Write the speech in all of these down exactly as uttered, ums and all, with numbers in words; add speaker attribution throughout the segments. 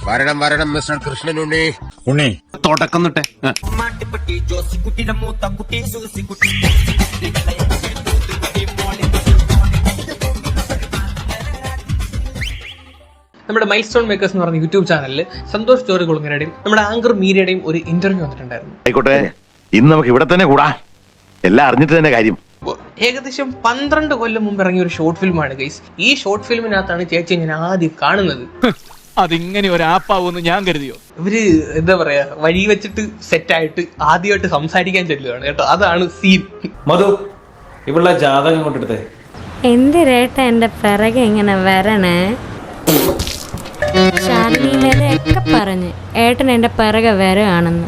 Speaker 1: വരണം വരണം മിസ്റ്റർ കൃഷ്ണൻ ഉണ്ണി
Speaker 2: ഉണ്ണി
Speaker 3: തുടക്കം തൊട്ടേ
Speaker 4: നമ്മുടെ മൈൽ സ്റ്റോൺ മേക്കേഴ്സ് എന്ന് പറഞ്ഞ യൂട്യൂബ് ചാനലിൽ സന്തോഷ് ജോർജ് കുളങ്ങരയുടെയും നമ്മുടെ ആങ്കർ മീരയുടെയും ഒരു ഇന്റർവ്യൂ വന്നിട്ടുണ്ടായിരുന്നു.
Speaker 5: ആയിക്കോട്ടെ, ഇന്ന് നമുക്ക് ഇവിടെ തന്നെ കൂടാ, എല്ലാം അറിഞ്ഞിട്ട് തന്നെ കാര്യം.
Speaker 4: ഏകദേശം പന്ത്രണ്ട് കൊല്ലം മുമ്പ് ഇറങ്ങിയ ഒരു ഷോർട്ട് ഫിലിമാണ് ഗൈസ്. ഈ ഷോർട്ട് ഫിലിമിനകത്താണ് ചേച്ചി ഞാൻ ആദ്യം കാണുന്നത്.
Speaker 6: അതിങ്ങനെ ഒരു ആപ്പാവൂന്ന് ഞാൻ കരുതിയോ?
Speaker 4: ഇവര് എന്താ പറയാ, വഴി വെച്ചിട്ട് സെറ്റായിട്ട് ആദ്യമായിട്ട് സംസാരിക്കാൻ ചെല്ലുകയാണ് കേട്ടോ. അതാണ് സീൻ.
Speaker 7: മധു, ഇവളുടെ ജാതകം കൊണ്ടെടുത്തേ.
Speaker 8: എന്തിരേട്ട എന്റെ പിറകെ ഇങ്ങനെ വരണേ? ചാനലിലൊക്കെ പറഞ്ഞ് ഏട്ടൻ എന്റെ പിറകെ വരയാണെന്ന്.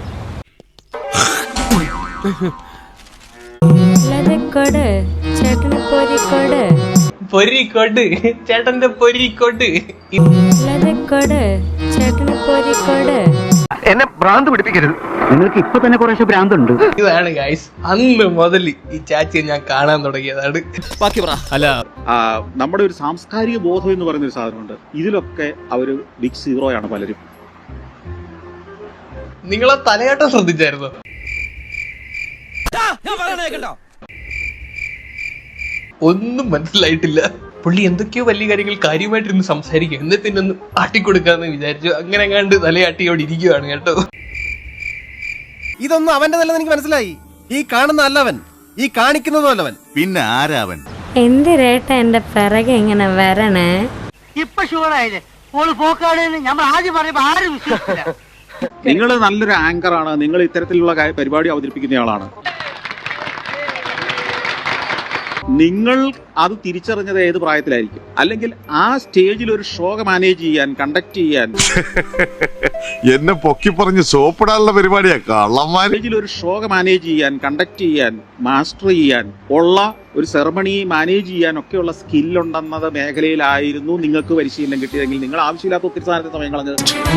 Speaker 8: കൊട് ചേട്ടന് പൊരിക്കൊട്
Speaker 4: പൊരിക്കൊട് ചേട്ടന്റെ പൊരിക്കൊട്
Speaker 8: കൊട് ചേട്ടന് പൊരിക്കൊട്.
Speaker 5: എന്നെ ഭ്രാന്ത് പിടിപ്പിക്കരുത്, നിങ്ങൾക്ക് ഇപ്പൊ തന്നെ കുറേശ്ശെ ഭ്രാന്തുണ്ട്.
Speaker 4: ഇതാണ് ഗൈസ്, അന്ന് മുതൽ ഈ ചാച്ചിയെ ഞാൻ കാണാൻ തുടങ്ങിയതാണ്.
Speaker 6: അല്ല,
Speaker 2: നമ്മുടെ ഒരു സാംസ്കാരിക ബോധം എന്ന് പറയുന്ന ഒരു സാധനമുണ്ട്. ഇതിലൊക്കെ അവര് ബിഗ് സീറോയാണ് പലരും.
Speaker 4: നിങ്ങളെ തലയാട്ടം ശ്രദ്ധിച്ചായിരുന്നോ? ഒന്നും മനസ്സിലായിട്ടില്ല. പുള്ളി എന്തൊക്കെയോ വലിയ കാര്യങ്ങൾ കാര്യമായിട്ടിരുന്ന് സംസാരിക്കും. എന്നിട്ട് ഒന്ന് ആട്ടിക്കൊടുക്കാന്ന് വിചാരിച്ചു. അങ്ങനെ കണ്ട് തലയാട്ടിയോട് ഇരിക്കുവാണ് കേട്ടോ.
Speaker 3: ഇതൊന്നും അവന്റെ നല്ലത് എനിക്ക് മനസ്സിലായി. ഈ കാണുന്ന അല്ലവൻ, ഈ കാണിക്കുന്നതും അല്ലവൻ.
Speaker 5: പിന്നെ ആരാവൻ?
Speaker 8: എന്തിരേട്ട എന്റെ പിറകെ ഇങ്ങനെ വരണേ?
Speaker 9: ഇപ്പൊ ഷുവറായില്ലേ ഓള് പോക്കാടെന്ന് നമ്മൾ ആദ്യം പറയുമ്പോ ആരും വിശ്വസിച്ചില്ല.
Speaker 2: നിങ്ങൾ നല്ലൊരു ആങ്കറാണ്, നിങ്ങൾ ഇത്തരത്തിലുള്ള പരിപാടി അവതരിപ്പിക്കുന്ന ആളാണ്. നിങ്ങൾ അത് തിരിച്ചറിഞ്ഞത് ഏത് പ്രായത്തിലായിരിക്കും? അല്ലെങ്കിൽ ആ സ്റ്റേജിൽ ഒരു ഷോ മാനേജ് ചെയ്യാൻ, കണ്ടക്ട് ചെയ്യാൻ,
Speaker 5: എന്നെ പൊക്കി പറഞ്ഞ് സോപ്പിടാനുള്ള പരിപാടിയാ കള്ളന്മാർ.
Speaker 2: സ്റ്റേജിൽ ഒരു ഷോ മാനേജ് ചെയ്യാൻ, കണ്ടക്ട് ചെയ്യാൻ, മാസ്റ്റർ ചെയ്യാൻ ഉള്ള ഒരു സെറമണി മാനേജ് ചെയ്യാൻ ഒക്കെയുള്ള സ്കില്ലുണ്ടെന്നത് മേഖലയിലായിരുന്നു നിങ്ങൾക്ക് പരിശീലനം കിട്ടിയതെങ്കിൽ നിങ്ങൾ ആവശ്യമില്ലാത്ത ഒത്തിരി സാധനത്തെ സമയം കളഞ്ഞത്.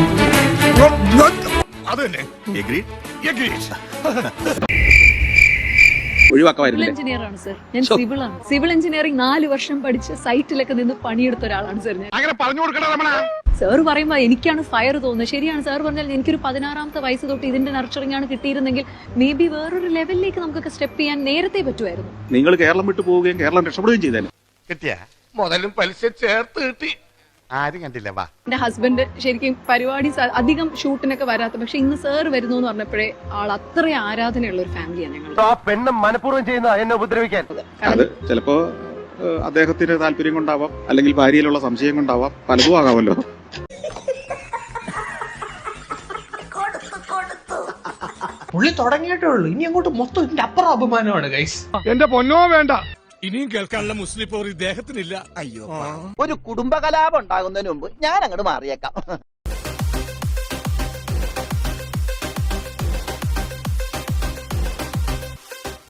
Speaker 2: ഒഴിവാക്കാമായിരുന്നില്ലേ?
Speaker 10: എഞ്ചിനീയർ ആണ് സർ, ഞാൻ സിവിൽ ആണ്. സിവിൽ എഞ്ചിനീയറിംഗ് നാല് വർഷം പഠിച്ച് സൈറ്റിലൊക്കെ നിന്ന് പണിയെടുത്ത ഒരാളാണ് സർ ഞാൻ. സാർ പറയുമ്പോ എനിക്കാണ് ഫയർ തോന്നുന്നത്. ശരിയാണ് സാർ പറഞ്ഞാൽ എനിക്കൊരു പതിനാറാമത്തെ വയസ്സ് തൊട്ട് ഇതിന്റെ നർച്ചറിംഗ് ആണ് കിട്ടിയിരുന്നെങ്കിൽ മേ ബി വേറൊരു ലെവലിലേക്ക് നമുക്കൊക്കെ സ്റ്റെപ്പ് ചെയ്യാൻ നേരത്തെ പറ്റുമായിരുന്നു.
Speaker 2: നിങ്ങൾ കേരളം വിട്ടു പോവുകയും കേരളം രക്ഷപ്പെടുകയും ചെയ്താലും
Speaker 1: കിട്ടിയ മുതലും പലിശ ചേർത്ത് കിട്ടി. ആരും കണ്ടില്ല. വാ,
Speaker 10: എന്റെ ഹസ്ബൻഡ് ശരിക്കും പരിപാടി അധികം ഷൂട്ടിനൊക്കെ വരാത്ത, പക്ഷെ ഇന്ന് സാർ വരുന്നു എന്ന് പറഞ്ഞപ്പോഴേ ആൾ അത്ര ആരാധനയുള്ള ഒരു ഫാമിലിയാണ് ഞങ്ങൾ.
Speaker 9: പെണ്ണ് മനഃപൂർവ്വം ചെയ്യുന്ന എന്നെ ഉപദ്രവിക്കാൻ.
Speaker 2: അത് ചിലപ്പോ അദ്ദേഹത്തിന്റെ താല്പര്യം കൊണ്ടാവാം, അല്ലെങ്കിൽ ഭാര്യയിലുള്ള സംശയം കൊണ്ടാവാം, പലതും ആകാമല്ലോ.
Speaker 4: പുള്ളി തുടങ്ങിയിട്ടേ ഉള്ളൂ. ഇനി അങ്ങോട്ട് മൊത്തം ഇതിന്റെ അപ്പുറം അപമാനമാണ് ഗൈസ്.
Speaker 1: എന്റെ പൊന്നോ വേണ്ട, ഇനിയും കേൾക്കാനുള്ള മുസ്ലിം പോർ ഇദ്ദേഹത്തിനില്ല.
Speaker 9: അയ്യോ, ഒരു കുടുംബകലാപം ഉണ്ടാകുന്നതിന് മുമ്പ് ഞാൻ അങ്ങോട്ട് മാറിയേക്കാം.